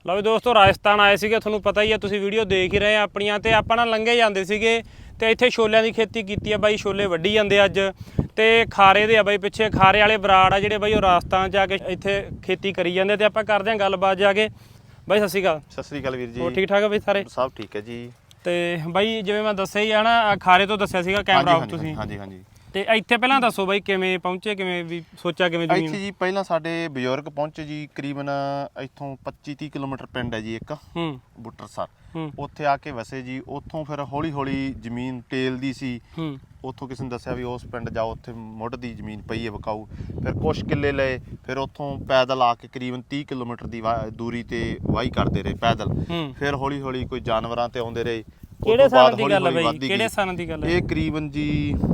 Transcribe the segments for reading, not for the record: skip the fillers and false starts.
ਲਓ ਵੀ ਦੋਸਤੋ ਰਾਜਸਥਾਨ ਆਏ ਸੀਗੇ, ਤੁਹਾਨੂੰ ਪਤਾ ਹੀ ਆ, ਤੁਸੀਂ ਵੀਡੀਓ ਦੇਖ ਹੀ ਰਹੇ ਆ ਆਪਣੀਆਂ। ਤੇ ਆਪਾਂ ਨਾਲ ਲੰਘੇ ਜਾਂਦੇ ਸੀਗੇ ਤੇ ਇੱਥੇ ਛੋਲਿਆਂ ਦੀ ਖੇਤੀ ਕੀਤੀ ਆ ਬਾਈ। ਛੋਲੇ ਵੱਢੀ ਜਾਂਦੇ ਅੱਜ ਤੇ ਖਾਰੇ ਦੇ ਆ ਬਾਈ, ਪਿੱਛੇ ਖਾਰੇ ਵਾਲੇ ਬਰਾੜ ਆ ਜਿਹੜੇ ਬਾਈ ਉਹ ਰਾਜਸਥਾਨ ਜਾ ਕੇ ਇੱਥੇ ਖੇਤੀ ਕਰੀ ਜਾਂਦੇ। ਤੇ ਆਪਾਂ ਕਰਦੇ ਹਾਂ ਗੱਲਬਾਤ ਜਾ ਕੇ। ਬਾਈ ਸਤਿ ਸ਼੍ਰੀ ਅਕਾਲ। ਸਤਿ ਸ੍ਰੀ ਅਕਾਲ ਵੀਰ ਜੀ। ਹੋਰ ਠੀਕ ਠਾਕ ਆ ਬਾਈ ਸਾਰੇ? ਸਭ ਠੀਕ ਹੈ ਜੀ। ਤੇ ਬਾਈ ਜਿਵੇਂ ਮੈਂ ਦੱਸਿਆ ਹੀ ਆ ਨਾ, ਖਾਰੇ ਤੋਂ ਦੱਸਿਆ ਸੀਗਾ ਕੈਮਰਾ ਆਫ ਤੁਸੀਂ। ਹਾਂਜੀ ਹਾਂਜੀ। ਤੇ ਇੱਥੇ ਪਹਿਲਾਂ ਦੱਸੋ ਬਾਈ ਕਿਵੇਂ ਪਹੁੰਚੇ, ਕਿਵੇਂ ਵੀ ਸੋਚਿਆ ਕਿਵੇਂ ਜ਼ਮੀਨ? ਇੱਥੇ ਜੀ ਪਹਿਲਾਂ ਸਾਡੇ ਬਜ਼ੁਰਗ ਪਹੁੰਚੇ ਜੀ, ਕਰੀਬਨ ਇੱਥੋਂ 25-30 ਕਿਲੋਮੀਟਰ ਪਿੰਡ ਹੈ ਜੀ ਇੱਕ ਬੁੱਟਰਸਰ। ਉੱਥੇ ਆ ਕੇ ਵਸੇ ਜੀ। ਉੱਥੋਂ ਫਿਰ ਹੌਲੀ ਹੌਲੀ ਜ਼ਮੀਨ ਟੇਲ ਦੀ ਸੀ। ਉੱਥੋਂ ਕਿਸੇ ਨੇ ਦੱਸਿਆ ਵੀ ਉਸ ਪਿੰਡ ਜਾਓ, ਉੱਥੇ ਮੁੱਢ ਦੀ ਜ਼ਮੀਨ ਪਈ ਹੈ ਵਿਕਾਊ। ਫਿਰ ਕੁਛ ਕਿੱਲੇ ਲਏ, ਫਿਰ ਉੱਥੋਂ ਪੈਦਲ ਆ ਕੇ ਕਰੀਬਨ 30 ਕਿਲੋਮੀਟਰ ਦੀ ਦੂਰੀ ਤੇ ਵਾਹੀ ਕਰਦੇ ਰਹੇ ਪੈਦਲ। ਫਿਰ ਹੌਲੀ ਹੌਲੀ ਕੋਈ ਜਾਨਵਰਾਂ ਤੇ ਆਉਂਦੇ ਰਹੇ। ਕਿਹੜੇ ਸਾਲ ਦੀ ਗੱਲ ਹੈ ਬਾਈ? ਕਿਹੜੇ ਸਾਲ ਦੀ ਗੱਲ ਹੈ ਇਹ? ਕਰੀਬਨ ਜੀ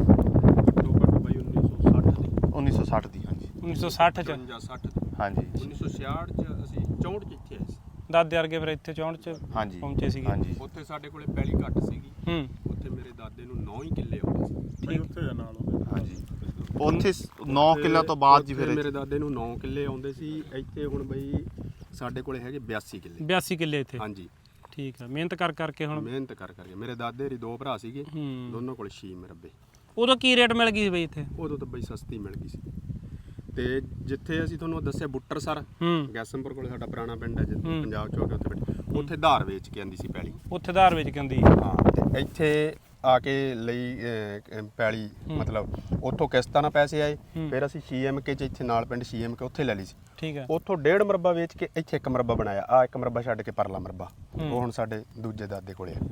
1960 ਦੀ। ਹਾਂਜੀ 1960 ਚ। 60 ਦੀ। ਹਾਂਜੀ 1966 ਚ ਅਸੀਂ 64 ਚ ਇੱਥੇ ਆਏ ਸੀ। ਦਾਦੇ ਵਰਗੇ ਫਿਰ ਇੱਥੇ 64 ਚ ਹਾਂਜੀ ਪਹੁੰਚੇ ਸੀਗੇ। ਹਾਂਜੀ। ਉੱਥੇ ਸਾਡੇ ਕੋਲੇ ਪੈਲੀ ਘੱਟ ਸੀਗੀ। ਉੱਥੇ ਮੇਰੇ ਦਾਦੇ ਨੂੰ 9 ਹੀ ਕਿੱਲੇ ਆਉਂਦੇ ਸੀ। ਠੀਕ। ਉੱਥੇ ਨਾਲ ਹਾਂਜੀ ਉੱਥੇ 9 ਕਿੱਲਿਆਂ ਤੋਂ ਬਾਅਦ ਜੀ ਫਿਰ ਮੇਰੇ ਦਾਦੇ ਨੂੰ 9 ਕਿੱਲੇ ਆਉਂਦੇ ਸੀ। ਇੱਥੇ ਹੁਣ ਬਈ ਸਾਡੇ ਕੋਲੇ ਹੈਗੇ 82 ਕਿੱਲੇ। 82 ਕਿੱਲੇ ਇੱਥੇ? ਹਾਂਜੀ ਠੀਕ ਆ। ਮਿਹਨਤ ਕਰਕੇ ਹੁਣ ਮਿਹਨਤ ਕਰਕੇ ਮੇਰੇ ਦਾਦੇ ਦੇ 2 ਭਰਾ ਸੀਗੇ, ਦੋਨੋਂ ਕੋਲ 6 ਮਰਬੇ। ਉਦੋਂ ਕੀ ਰੇਟ ਮਿਲ ਗਈ ਸੀ ਬਈ ਇੱਥੇ? ਉਦੋਂ ਤਾਂ ਬਈ ਸਸਤੀ ਮਿਲ ਗਈ ਸੀ। ਤੇ ਜਿੱਥੇ ਅਸੀਂ ਤੁਹਾਨੂੰ ਦੱਸਿਆ ਬੁੱਟਰਸਰ ਗੈਸਮਪੁਰ ਕੋਲੇ ਸਾਡਾ ਪੁਰਾਣਾ ਪਿੰਡ ਹੈ, ਜਿੱਥੇ ਪੰਜਾਬ ਚੌਕ ਉੱਥੇ ਧਾਰ ਵੇਚ ਕੇ ਆਂਦੀ ਸੀ ਪੈਲੀ। ਉੱਥੇ ਧਾਰ ਵੇਚ ਕੇ ਆਂਦੀ? ਹਾਂ। ਤੇ ਇੱਥੇ ਆ ਕੇ ਲਈ ਪੈਲੀ, ਮਤਲਬ ਉੱਥੋਂ ਕਿਸ਼ਤਾਂ ਨਾਲ ਪੈਸੇ ਆਏ। ਫਿਰ ਅਸੀਂ CMK ਚ ਇੱਥੇ ਨਾਲ ਪਿੰਡ CMK ਉੱਥੇ ਲੈ ਲਈ ਸੀ। ਠੀਕ ਹੈ। ਉੱਥੋਂ 1.5 ਮਰਬਾ ਵੇਚ ਕੇ ਇੱਥੇ 1 ਮਰਬਾ ਬਣਾਇਆ। ਆ 1 ਮਰਬਾ ਛੱਡ ਕੇ ਪਰਲਾ ਮਰਬਾ ਉਹ ਹੁਣ ਸਾਡੇ ਦੂਜੇ ਦਾਦੇ ਕੋਲੇ ਆ।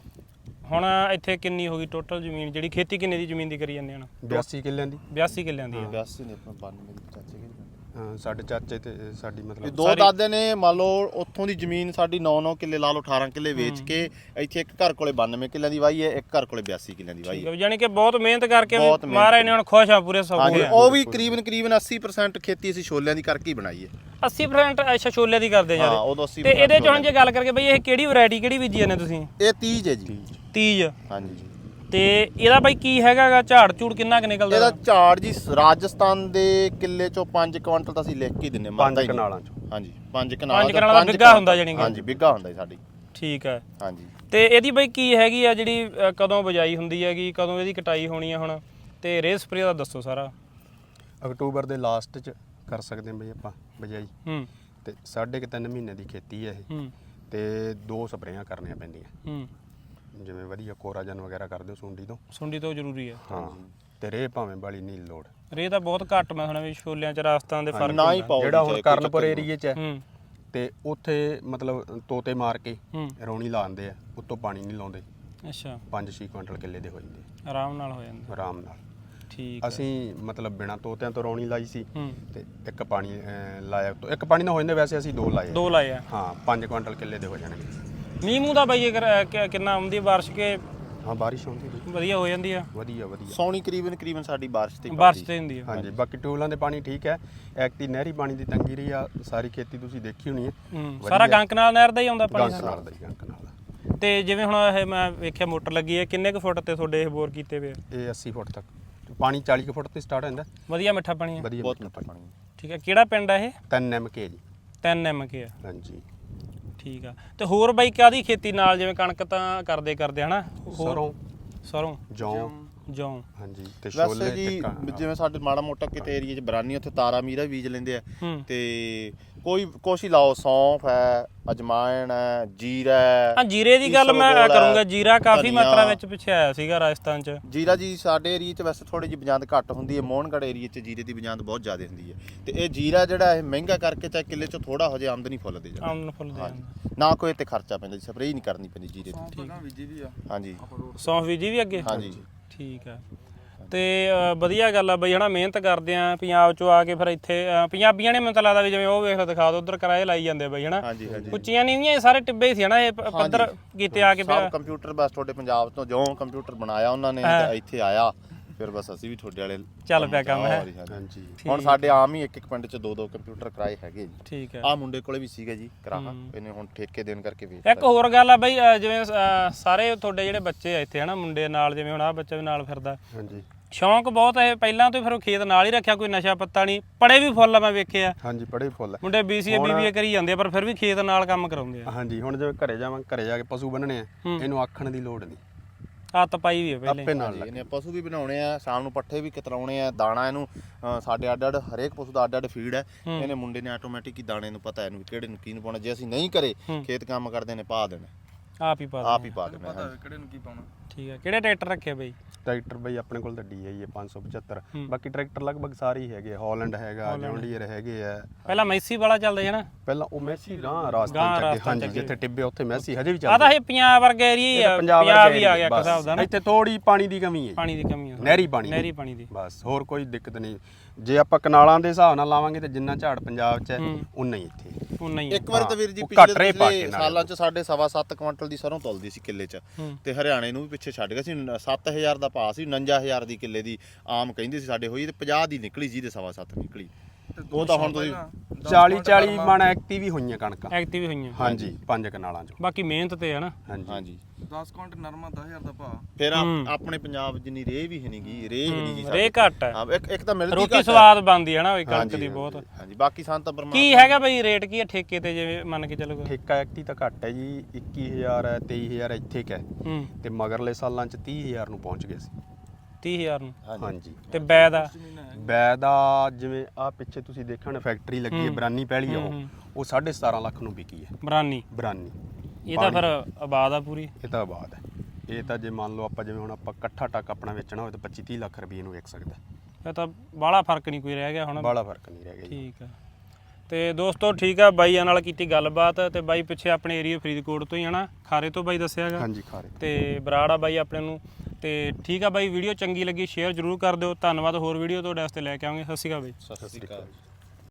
ਹੁਣ ਇੱਥੇ ਕਿੰਨੀ ਹੋ ਗਈ ਟੋਟਲ ਜ਼ਮੀਨ? ਜਿਹੜੀ ਖੇਤੀ ਕਿੰਨੇ ਦੀ ਜ਼ਮੀਨ ਦੀ ਕਰੀ ਜਾਂਦੇ ਹੁਣ? 82 ਕਿੱਲਿਆਂ ਦੀ। 82 ਕਿੱਲਿਆਂ ਦੀ ਹੈ। 82 ਨੇ ਆਪਣਾ 92 ਦੇ ਚਾਚੇ ਕੇ। ਹਾਂ ਸਾਡੇ ਚਾਚੇ ਤੇ ਸਾਡੀ ਮਤਲਬ ਦੋ ਦਾਦੇ ਨੇ ਮੰਨ ਲਓ ਉੱਥੋਂ ਦੀ ਜ਼ਮੀਨ ਸਾਡੀ 9-9 ਕਿੱਲੇ ਲਾ ਲਓ, 18 ਕਿੱਲੇ ਵੇਚ ਕੇ ਇੱਥੇ ਇੱਕ ਘਰ ਕੋਲੇ 92 ਕਿੱਲਿਆਂ ਦੀ ਵਾਹੀ ਹੈ, ਇੱਕ ਘਰ ਕੋਲੇ 82 ਕਿੱਲਿਆਂ ਦੀ ਵਾਹੀ ਹੈ। ਯਾਨੀ ਕਿ ਬਹੁਤ ਮਿਹਨਤ ਕਰਕੇ ਮਹਾਰਾਜ ਨੇ ਹੁਣ ਖੁਸ਼ ਆ, ਪੂਰੇ ਸੌਖੇ ਆ। ਉਹ ਵੀ ਕਰੀਬਨ 80% ਖੇਤੀ ਅਸੀਂ ਛੋਲਿਆਂ ਦੀ ਕਰਕੇ ਹੀ ਬਣਾਈ ਹੈ। 80% ਅੱਛਾ ਛੋਲੇ ਦੀ ਕਰਦੇ ਹਾਂ ਯਾਰ? ਉਦੋਂ 80%। ਤੇ ਇਹਦੇ ਚ ਹੁਣ ਜੇ ਗੱਲ ਕਰਕੇ ਬਈ ਇਹ ਕਿਹੜੀ ਵੈਰਾਈਟੀ ਕਿਹੜੀ ਬੀਜੀ ਜਾਂਦੇ ਤੁਸੀਂ? ਇਹ 30 ਹੈ ਜੀ। 30? ਹਾਂਜੀ। ਤੇ ਇਹਦਾ ਬਾਈ ਕੀ ਹੈਗਾਗਾ, ਝਾੜ ਝੂੜ ਕਿੰਨਾ ਕੁ ਨਿਕਲਦਾ? ਇਹਦਾ ਝਾੜ ਜੀ ਰਾਜਸਥਾਨ ਦੇ ਕਿੱਲੇ ਚੋਂ 5 ਕੁਇੰਟਲ ਤਾਂ ਅਸੀਂ ਲਿਖ ਕੇ ਦਿੰਨੇ। 5 ਕਨਾਲਾਂ ਚੋਂ। ਹਾਂਜੀ 5 ਕਨਾਲ ਦਾ ਬਿੱਗਾ ਹੁੰਦਾ ਜਾਨੀ ਕਿ? ਹਾਂਜੀ ਬਿੱਗਾ ਹੁੰਦਾ ਜੀ ਸਾਡੀ। ਠੀਕ ਹੈ। ਹਾਂਜੀ। ਤੇ ਇਹਦੀ ਬਾਈ ਕੀ ਹੈਗੀ ਆ, ਜਿਹੜੀ ਕਦੋਂ ਬਜਾਈ ਹੁੰਦੀ ਹੈਗੀ, ਕਦੋਂ ਇਹਦੀ ਕਟਾਈ ਹੋਣੀ ਆ ਹੁਣ? ਤੇ ਰੇ ਸਪਰੇ ਦਾ ਦੱਸੋ ਸਾਰਾ। ਅਕਤੂਬਰ ਦੇ ਲਾਸਟ ਚ ਕਰ ਸਕਦੇ ਹਾਂ ਬਈ ਆਪਾਂ ਬਜਾਈ। ਤੇ 3.5 ਮਹੀਨੇ ਦੀ ਖੇਤੀ ਹੈ ਇਹ। ਤੇ 2 ਸਪਰੇਆਂ ਕਰਨੀਆਂ ਪੈਂਦੀਆਂ। ਜਿਵੇਂ ਵਧੀਆ ਕੋਰਾਜਨ ਵਗੈਰਾ ਕਰਦੇ ਹੋ ਸੁੰਡੀ ਤੋਂ ਜ਼ਰੂਰੀ ਹੈ। ਹਾਂ। ਤੇ ਰੇ ਭਾਵੇਂ ਬਾਲੀ ਨਹੀਂ ਲੋੜ। ਰੇ ਤਾਂ ਬਹੁਤ ਘੱਟ ਮੈਂ ਸੁਣਿਆ ਵੀ ਛੋਲਿਆਂ ਚ ਰਾਜਸਥਾਨ ਦੇ ਫਰਕ ਨਾ ਹੀ ਪਾਓ। ਜਿਹੜਾ ਹੁਣ ਕਰਨਪੁਰ ਏਰੀਏ ਚ ਹੈ ਤੇ ਉੱਥੇ ਮਤਲਬ ਤੋਤੇ ਮਾਰ ਕੇ ਰੌਣੀ ਲਾਉਂਦੇ ਆ, ਉੱਤੋਂ ਪਾਣੀ ਨਹੀਂ ਲਾਉਂਦੇ। ਅੱਛਾ। 5-6 ਕੁਇੰਟਲ ਕਿੱਲੇ ਦੇ ਹੋ ਜਾਂਦੇ ਆਰਾਮ ਨਾਲ ਹੋ ਜਾਂਦੇ? ਆਰਾਮ ਨਾਲ। ਠੀਕ। ਅਸੀਂ ਮਤਲਬ ਬਿਨਾਂ ਤੋਤਿਆਂ ਤੋਂ ਰੌਣੀ ਲਾਈ ਸੀ ਤੇ ਇੱਕ ਪਾਣੀ ਲਾਇਆ। ਇੱਕ ਪਾਣੀ ਨਾਲ ਹੋ ਜਾਂਦੇ, ਵੈਸੇ ਅਸੀਂ 2 ਲਾਏ। 2 ਲਾਏ ਆ? ਹਾਂ। 5 ਕੁਇੰਟਲ ਕਿੱਲੇ ਦੇ ਹੋ ਜਾਣਗੇ। ਮੀਂਹ ਮੂੰਹ ਦਾ ਬਾਈ ਕਿੰਨਾ ਆਉਂਦੀ ਹੈ ਬਾਰਿਸ਼ ਕੇ? ਹਾਂ ਬਾਰਿਸ਼ ਹੁੰਦੀ ਵਧੀਆ ਹੋ ਜਾਂਦੀ ਆ? ਵਧੀਆ। ਸੌਣੀ ਕਰੀਬਨ ਸਾਡੀ ਬਾਰਿਸ਼ ਤੇ ਹੁੰਦੀ ਆ। ਹਾਂਜੀ। ਬਾਕੀ ਟਿਊਬਲਾਂ ਦੇ ਪਾਣੀ ਠੀਕ ਹੈ। ਐਕਟੀ ਨਹਿਰੀ ਪਾਣੀ ਦੀ ਤੰਗੀ ਰਹੀ ਆ। ਸਾਰੀ ਖੇਤੀ ਤੁਸੀਂ ਦੇਖੀ ਹੋਣੀ ਹੈ। ਸਾਰਾ ਗੰਕ ਨਾਲ ਨਹਿਰ ਦਾ ਹੀ ਆਉਂਦਾ ਪਾਣੀ? ਗੰਕ ਨਾਲ ਦਾ ਹੀ, ਗੰਕ ਨਾਲ। ਤੇ ਜਿਵੇਂ ਹੁਣ ਇਹ ਮੈਂ ਵੇਖਿਆ ਮੋਟਰ ਲੱਗੀ ਹੈ, ਕਿੰਨੇ ਕੁ ਫੁੱਟ ਤੇ ਤੁਹਾਡੇ ਇਹ ਬੋਰ ਕੀਤੇ ਵੇ? ਇਹ 80 ਫੁੱਟ ਤੱਕ ਪਾਣੀ 40 ਕੁ ਫੁੱਟ ਤੇ ਸਟਾਰਟ ਹੁੰਦਾ। ਵਧੀਆ ਮਿੱਠਾ ਪਾਣੀ ਹੈ? ਵਧੀਆ ਬਹੁਤ ਮਿੱਠਾ ਪਾਣੀ। ਠੀਕ ਹੈ। ਕਿਹੜਾ ਪਿੰਡ ਆ ਇਹ? 3 MK ਜੀ। 3 MK ਆ? ਹਾਂਜੀ। ਠੀਕ ਆ। ਤੇ ਹੋਰ ਬਾਈ ਕਾਹਦੀ ਖੇਤੀ ਨਾਲ, ਜਿਵੇਂ ਕਣਕ ਤਾਂ ਕਰਦੇ ਹਨਾ? ਸਰੋਂ ਜੌਂ। ਹਾਂਜੀ। ਤੇ ਛੋਲੇ ਜੀ ਜਿਵੇਂ ਸਾਡੇ ਮਾੜਾ ਮੋਟਾ ਕਿਤੇ ਏਰੀਆ 'ਚ ਬਰਾਨੀ, ਉੱਥੇ ਤਾਰਾ ਮੀਰਾ ਬੀਜ ਲੈਂਦੇ ਆ। ਤੇ ਕੁਛ ਹੀ ਲਾਓ, ਸੌਂਫ ਹੈ, ਅਜਮਾਇਣ ਹੈ, ਜੀਰਾ ਹੈ। ਹਾਂ ਜੀਰੇ ਦੀ ਗੱਲ ਮੈਂ ਕਰੂੰਗਾ। ਜੀਰਾ ਕਾਫੀ ਮਾਤਰਾ ਵਿੱਚ ਪਿੱਛੇ ਆਇਆ ਸੀਗਾ ਰਾਜਸਥਾਨ 'ਚ। ਜੀਰਾ ਜੀ ਸਾਡੇ ਏਰੀਆ 'ਚ ਵੈਸੇ ਥੋੜੀ ਜਿਹੀ ਬਜਾਂਦ ਘੱਟ ਹੁੰਦੀ ਹੈ। ਮੋਹਨਗੜ੍ਹ ਏਰੀਆ 'ਚ ਜੀਰੇ ਦੀ ਬਜਾਂਦ ਬਹੁਤ ਜ਼ਿਆਦਾ ਹੁੰਦੀ ਹੈ। ਤੇ ਇਹ ਜੀਰਾ ਜਿਹੜਾ ਇਹ ਮਹਿੰਗਾ ਕਰਕੇ ਚਾਹੇ ਕਿੱਲੇ 'ਚ ਥੋੜਾ ਹੋ ਜਾਏ, ਆਮਦਨੀ ਫੁੱਲ ਦੇ ਜਾਂਦਾ। ਆਮਦਨ ਫੁੱਲ ਦੇ ਜਾਂਦਾ। ਨਾ ਕੋਈ ਤੇ ਖਰਚਾ ਪੈਂਦਾ, ਸਪਰੇਅ ਨਹੀਂ ਕਰਨੀ ਪੈਂਦੀ ਜੀਰੇ ਦੀ। ਹਾਂਜੀ। ਸੌਂਫ ਬੀਜੀ ਵੀ ਅੱਗੇ? ਹਾਂਜੀ। ਠੀਕ ਆ। ਤੇ ਵਧੀਆ ਗੱਲ ਆ ਬਈ ਹਨਾ, ਮਿਹਨਤ ਕਰਦੇ ਆ ਪੰਜਾਬ ਚੋਂ ਆ ਕੇ। ਫਿਰ ਇੱਥੇ ਪੰਜਾਬੀਆਂ ਨੇ ਮੈਨੂੰ ਤਾਂ ਲੱਗਦਾ ਵੀ ਜਿਵੇਂ ਉਹ ਵੇਖ ਦਿਖਾ ਦੋ ਉਧਰ ਕਿਰਾਏ ਲਾਈ ਜਾਂਦੇ ਬਈ ਹਨਾ। ਉੱਚੀਆਂ ਨੀਵੀਆਂ ਸਾਰੇ ਟਿੱਬੇ ਹੀ ਸੀ ਹਨਾ, ਇਹ ਪੱਧਰ ਕੀਤੇ ਆ ਕੇ। ਕੰਪਿਊਟਰ ਬਸ ਤੁਹਾਡੇ ਪੰਜਾਬ ਤੋਂ ਜੋ ਕੰਪਿਊਟਰ ਬਣਾਇਆ ਉਹਨਾਂ ਨੇ ਇੱਥੇ ਆਇਆ, ਫਿਰ ਬਸ ਅਸੀਂ ਵੀ ਤੁਹਾਡੇ ਵਾਲੇ ਚੱਲ ਪਿਆ ਕੰਮ ਹੈ। ਹਾਂਜੀ। ਹੁਣ ਸਾਡੇ ਆਮ ਹੀ ਇੱਕ ਪਿੰਡ 'ਚ 2-2 ਕੰਪਿਊਟਰ ਕਿਰਾਏ ਹੈਗੇ ਜੀ। ਠੀਕ ਹੈ। ਆਹ ਮੁੰਡੇ ਕੋਲੇ ਵੀ ਸੀਗਾ ਜੀ ਕਿਰਾਇਆ, ਇਹਨੇ ਹੁਣ ਠੇਕੇ ਦੇਣ ਕਰਕੇ ਵੇਚ। ਇੱਕ ਹੋਰ ਗੱਲ ਆ ਬਈ, ਜਿਵੇਂ ਸਾਰੇ ਤੁਹਾਡੇ ਜਿਹੜੇ ਬੱਚੇ ਆ ਇੱਥੇ ਹਨਾ ਮੁੰਡੇ ਨਾਲ, ਜਿਵੇਂ ਹੁਣ ਆਹ ਬੱਚਾ ਵੀ ਨਾਲ ਫਿਰਦਾ। ਹਾਂਜੀ। ਸ਼ੌਂਕ ਬਹੁਤ ਹੈ ਪਹਿਲਾਂ ਤੋਂ ਹੀ, ਫਿਰ ਉਹ ਖੇਤ ਨਾਲ ਹੀ ਰੱਖਿਆ, ਕੋਈ ਨਸ਼ਾ ਪੱਤਾ ਨਹੀਂ, ਪੜੇ ਵੀ ਫੁੱਲ ਆ ਮੈਂ ਵੇਖਿਆ ਹਾਂਜੀ ਪੜੇ ਫੁੱਲ ਮੁੰਡੇ BCA BBA ਕਰੀ ਜਾਂਦੇ ਆ, ਪਰ ਫਿਰ ਵੀ ਖੇਤ ਨਾਲ ਕੰਮ ਕਰਾਉਂਦੇ ਆ। ਹਾਂਜੀ ਹੁਣ ਜਿਵੇਂ ਘਰੇ ਜਾ ਕੇ ਪਸ਼ੂ ਬੰਨਣੇ ਆ, ਇਹਨੂੰ ਆਖਣ ਦੀ ਲੋੜ ਨਹੀਂ, ਹੱਥ ਪਾਈ ਵੀ ਆ ਪਹਿਲੇ ਆਪੇ ਨਾਲ ਇਹਨੇ ਪਸ਼ੂ ਵੀ ਬਣਾਉਣੇ ਆ, ਸ਼ਾਮ ਨੂੰ ਪੱਠੇ ਵੀ ਕਤਰਾਉਣੇ ਆ, ਦਾਣਾ ਇਹਨੂੰ ਸਾਡੇ ਅੱਡ ਹਰੇਕ ਪਸ਼ੂ ਦਾ ਅੱਡ ਫੀਡ ਹੈ। ਇਹਨੇ ਮੁੰਡੇ ਨੇ ਆਟੋਮੈਟਿਕ ਹੀ ਦਾਣੇ ਨੂੰ ਪਤਾ ਇਹਨੂੰ ਕਿਹੜੇ ਨੂੰ ਕੀ ਨੂੰ ਪਾਉਣਾ। ਜੇ ਅਸੀਂ ਨਹੀਂ ਕਰੇ ਖੇਤ ਕੰਮ ਕਰਦੇ ਨੇ ਪਾ ਦੇਣਾ, ਆਪ ਹੀ ਪਾ ਦੇਣਾ ਕਿਹੜੇ ਨੂੰ ਕੀ ਪਾਉਣਾ। ਠੀਕ ਹੈ। ਕਿਹੜੇ ਟਰੈਕਟਰ ਰੱਖੇ ਬਈ? ਟਰੈਕਟਰ ਬਈ ਆਪਣੇ ਕੋਲ ਤਾਂ DI ਹੈ 575, ਬਾਕੀ ਟਰੈਕਟਰ ਲਗਭਗ ਸਾਰੇ ਹੀ ਹੈਗੇ, ਹਾਲੈਂਡ ਹੈਗਾ, ਜੌਨ ਡੀਅਰ ਹੈਗੇ ਆ। ਪਹਿਲਾਂ ਮੈਸੀ ਵਾਲਾ ਚੱਲਦਾ ਹੈ ਨਾ, ਪਹਿਲਾਂ ਉਹ ਮੈਸੀ ਗਾਂ ਰਾਸਤੇ ਚ, ਹਾਂਜੀ ਜਿੱਥੇ ਟਿੱਬੇ ਉੱਥੇ ਮੈਸੀ ਹਜੇ ਵੀ ਆ ਚੱਲਦਾ। ਤਾਂ ਇਹ ਪੰਜਾਬ ਵਰਗਾ ਏਰੀਆ, ਪੰਜਾਬ ਹੀ ਆ ਗਿਆ ਇੱਕ ਹਿਸਾਬ ਦਾ ਨਾ। ਇੱਥੇ ਥੋੜੀ ਪਾਣੀ ਦੀ ਕਮੀ ਹੈ, ਪਾਣੀ ਦੀ ਕਮੀ ਆ, ਨਹਿਰੀ ਪਾਣੀ ਦੀ ਬਸ, ਹੋਰ ਕੋਈ ਦਿੱਕਤ ਨਹੀਂ। ਜੇ ਆਪਾਂ ਕਨਾਲਾਂ ਦੇ ਹਿਸਾਬ ਨਾਲ ਲਾਵਾਂਗੇ ਤੇ ਜਿੰਨਾ ਝਾੜ ਪੰਜਾਬ 'ਚ ਹੈ ਉਨਾ ਹੀ ਇੱਥੇ ਉਨਾ ਹੀ ਇੱਕ ਵਾਰ ਤਾਂ ਵੀਰ ਜੀ ਉਹ ਘੱਟ ਰਹੇ ਪਾ ਪਿਛਲੇ ਕੇ ਸਾਲਾਂ 'ਚ ਸਾਡੇ 7.25 ਕੁਇੰਟਲ ਦੀ ਸਰੋਂ ਤੁਲਦੀ ਸੀ ਕਿੱਲੇ 'ਚ, ਤੇ ਹਰਿਆਣੇ ਨੂੰ ਵੀ ਪਿੱਛੇ ਛੱਡ ਗਿਆ ਸੀ। 7000 ਦਾ ਭਾਅ ਸੀ, 49000 ਦੀ ਕਿੱਲੇ ਦੀ ਆਮ ਕਹਿੰਦੇ ਸੀ ਸਾਡੇ ਹੋਈ, ਤੇ 50 ਦੀ ਨਿਕਲੀ ਜੀ, ਤੇ 7.25 ਨਿਕਲੀ। ਉਹ ਤਾਂ ਹੁਣ ਤੁਸੀਂ 40 ਮਣ ਐਕਟਿਵ ਹੀ ਹੋਈਆਂ ਕਣਕਾਂ, ਐਕਟਿਵ ਹੋਈਆਂ, ਹਾਂਜੀ 5 ਕਨਾਲਾਂ 'ਚ। ਬਾਕੀ ਮਿਹਨਤ ਤੇ ਹੈ ਨਾ। ਹਾਂਜੀ 10 ਕੁਇੰਟਲ ਨਰਮਾ 10000 ਦਾ ਭਾਅ। ਫਿਰ ਆਪਣੇ ਪੰਜਾਬ ਜਿੰਨੀ ਰੇਹ ਵੀ ਹੈ ਨਹੀਂਗੀ, ਰੇਹ ਹੀ ਨਹੀਂ ਜੀ ਰੇ ਘੱਟ ਹੈ, ਹਾਂ, ਇੱਕ ਤਾਂ ਮਿਲਦੀ ਰੋਟੀ ਸਵਾਦ ਬਣਦੀ ਹੈ ਨਾ ਉਹ ਕਣਕ ਦੀ ਬਹੁਤ। ਹਾਂਜੀ ਬਾਕੀ ਸੰਤ ਪਰਮਾਤਮਾ ਕੀ ਹੈਗਾ ਬਈ ਰੇਟ ਕੀ ਹੈ ਠੇਕੇ ਤੇ, ਜਿਵੇਂ ਮੰਨ ਕੇ ਚੱਲੋ? ਠੇਕਾ ਐਕਟੀ ਤਾਂ ਘੱਟ ਹੈ ਜੀ, 21000 ਹੈ, 23000 ਇੱਥੇ ਕਾ, ਤੇ ਮਗਰਲੇ ਸਾਲਾਂ 'ਚ 30000 ਨੂੰ ਪਹੁੰਚ ਗਏ ਸੀ। 30000 ਨੂੰ? ਹਾਂਜੀ। ਤੇ ਬੈ ਦਾ? ਬੈ ਦਾ ਜਿਵੇਂ ਆ ਪਿੱਛੇ ਤੁਸੀਂ ਦੇਖਣ ਫੈਕਟਰੀ ਲੱਗੀ ਹੈ, ਬਰਾਨੀ ਪਹਿਲੀ ਉਹ 17.5 ਲੱਖ ਨੂੰ ਵਿਕੀ ਹੈ। ਬਰਾਨੀ? ਇਹ ਤਾਂ ਫਿਰ ਆਬਾਦ ਆ ਪੂਰੀ? ਇਹ ਤਾਂ ਆਬਾਦ ਹੈ। ਇਹ ਤਾਂ ਜੇ ਮੰਨ ਲਓ ਆਪਾਂ ਜਿਵੇਂ ਹੁਣ ਆਪਾਂ ਇਕੱਠਾ ਟੱਕ ਆਪਣਾ ਵੇਚਣਾ ਹੋਵੇ ਤਾਂ 25-30 ਲੱਖ ਰੁਪਏ ਨੂੰ ਵਿਕ ਸਕਦਾ। ਇਹ ਤਾਂ ਬਾਹਲਾ ਫਰਕ ਨਹੀਂ ਕੋਈ ਰਹਿ ਗਿਆ ਹੁਣ? ਬਾਹਲਾ ਫਰਕ ਨਹੀਂ ਰਹਿ ਗਿਆ ਜੀ। ਠੀਕ ਆ। ਤੇ ਦੋਸਤੋ ਠੀਕ ਆ, ਬਾਈਆਂ ਨਾਲ ਕੀਤੀ ਗੱਲਬਾਤ, ਤੇ ਬਾਈ ਪਿੱਛੇ ਆਪਣੇ ਏਰੀਆ ਫਰੀਦਕੋਟ ਤੋਂ ਹੀ ਹਨਾ, ਖਾਰੇ ਤੋਂ ਬਾਈ ਦੱਸਿਆ ਹੈਗਾ। ਹਾਂਜੀ ਖਾਰੇ। ਤੇ ਬਰਾੜ ਆ ਬਾਈ ਆਪਣੇ ਨੂੰ। ਤੇ ਠੀਕ ਆ ਬਾਈ, ਵੀਡੀਓ ਚੰਗੀ ਲੱਗੀ ਸ਼ੇਅਰ ਜ਼ਰੂਰ ਕਰ ਦਿਓ। ਧੰਨਵਾਦ। ਹੋਰ ਵੀਡੀਓ ਤੁਹਾਡੇ ਵਾਸਤੇ ਲੈ ਕੇ ਆਵਾਂਗੇ। ਸਤਿ ਸ਼੍ਰੀ ਅਕਾਲ ਬਾਈ। ਸਤਿ ਸ਼੍ਰੀ ਅਕਾਲ।